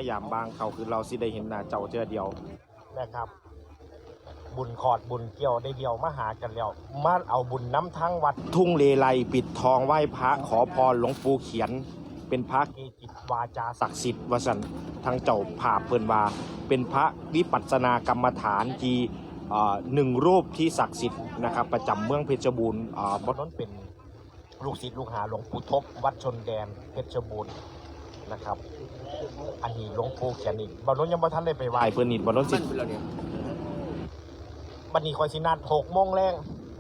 ายามบางเขาคือเราสิได้เห็นหน้าเจ้าเจอเดียวนะครับบุญขอดบุญเกี่ยวได้เดียวมาหากันแล้วมาเอาบุญน้ำทั้งวัดทุ่งเลไลปิดทองไหว้พระขอพรหลวงปู่เขียนเป็นพระเกจิวาจาศักดิ์สิทธิ์วสันทั้งเจ้าภาพเพิ่นว่าเป็นพระวิปัสสนากรรมฐานที่หนึ่งรูปที่ศักดิ์สิทธิ์นะครับประจำเมืองเพชรบูรณ์บนนั้นเป็นลูกศิษย์ลูกหาหลวงปู่ทบวัดชนแดนเพชรบูรณ์นะครับอันนี้หลวงปู่เขียนอีกบนนั้นยังบ่ทันได้ไปไหว้เพิ่นนี่บนนั้นสิบัดนี้คอยสินัด6 โมงแรง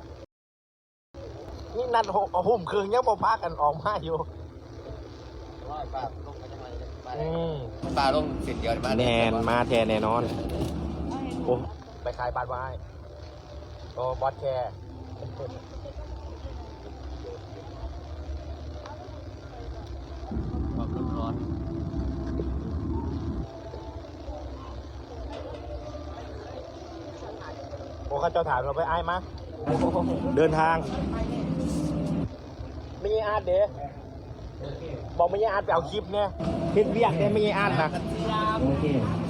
นี่นัด6 ครึ่งยังบ่พากันออกมาอยู่ปลาลงเสร็จเดียวมาแนนมาแทนแน่นอนโอ้ไปขายบ้านไว้โอ้บอสแคร์ร้อนโอ้ข้าเจ้าถามเราไปไอ้มาเดินทางไม่ใช่อาร์ตเด้บอกไม่ใช่อาร์ตไปเอาคลิปเนี่ยเห็นเวียกเนี่ยไม่ใช่อาร์ตนะโอเค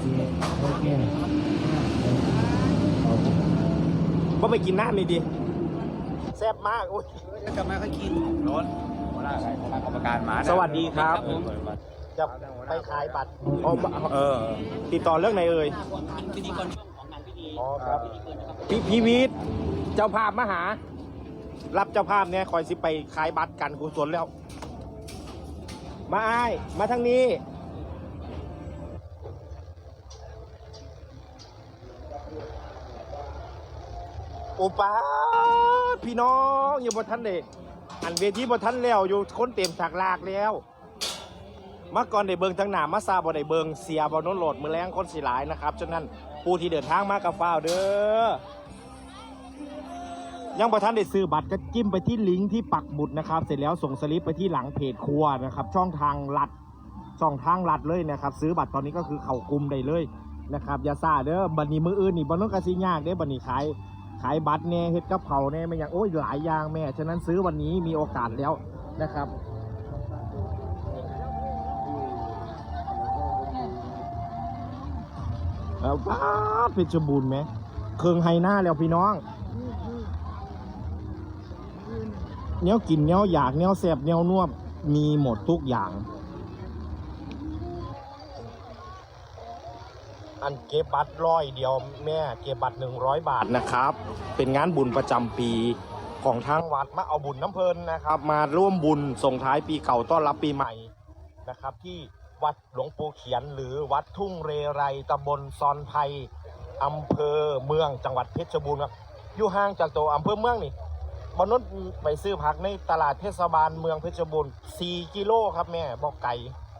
ว่าไปกินน้ำนี่ดิแซ่บมากอุ้ยกลับมาค่อยกินร้อนหัวหน้ากรรมการมาสวัสดีครับจะไปขายบัตรติดต่อเรื่องไหนเอ่ยพิธีกรช่วงของงานพิธีอ๋อครับพี่วิทย์เจ้าภาพมาหารับเจ้าภาพเนี่ยคอยสิไปขายบัตรกันกุศลแล้วมาอ้ายมาทางนี้โอป้าพี่น้องอยู่บนทันเดอันเวทีบนทันแล้วอยู่คนเต็มฉากลากแล้วมาก่อนได้เบิงทั้งหนามาซาบ่ได้เบิงเสียบอลน้นโหลดมือแรงคนสีหลายนะครับฉะนั้นผู้ที่เดินทางมากับฟ้าวเด้อยังบ่ทันได้ซื้อบัตรก็จิ้มไปที่ลิงก์ที่ปักหมุดนะครับเสร็จแล้วส่งสลิปไปที่หลังเพจครัวนะครับช่องทางลัดเลยนะครับซื้อบัตรตอนนี้ก็คือเข้ากลุ่มได้เลยนะครับอย่าซ่าเด้อบัดนี้มืออื่นนี่บ่ต้องกระซิยากเด้อบัดนี้ขายบัตรเนี่ยเฮ็ดกับเขาเนี่ยไม่อย่างโอ้ยหลายอย่างแม่ฉะนั้นซื้อวันนี้มีโอกาสแล้วนะครับแล้วป้าเพชรบูรณ์ไหมเครื่องไฮหน้าแล้วพี่น้องเนี้ยกินเนี้ยอยากเนี้ยแซ่บเนี้ยนวดมีหมดทุกอย่างอันเก็บบัตร100 เดียวแม่เก็บบัตร100 บาทนะครับเป็นงานบุญประจำปีของทางวัดมาเอาบุญน้ำเพลินนะครับมาร่วมบุญส่งท้ายปีเก่าต้อนรับปีใหม่นะครับที่วัดหลวงปู่เขียนหรือวัดทุ่งเรไรตำบลซอนไพอำเภอเมืองจังหวัดเพชรบูรณ์ครับอยู่ห่างจากตัวอำเภอเมืองนี่บนนั้นไปซื้อผักในตลาดเทศบาลเมืองเพชรบูรณ์4 กิโลครับแม่บอกไก่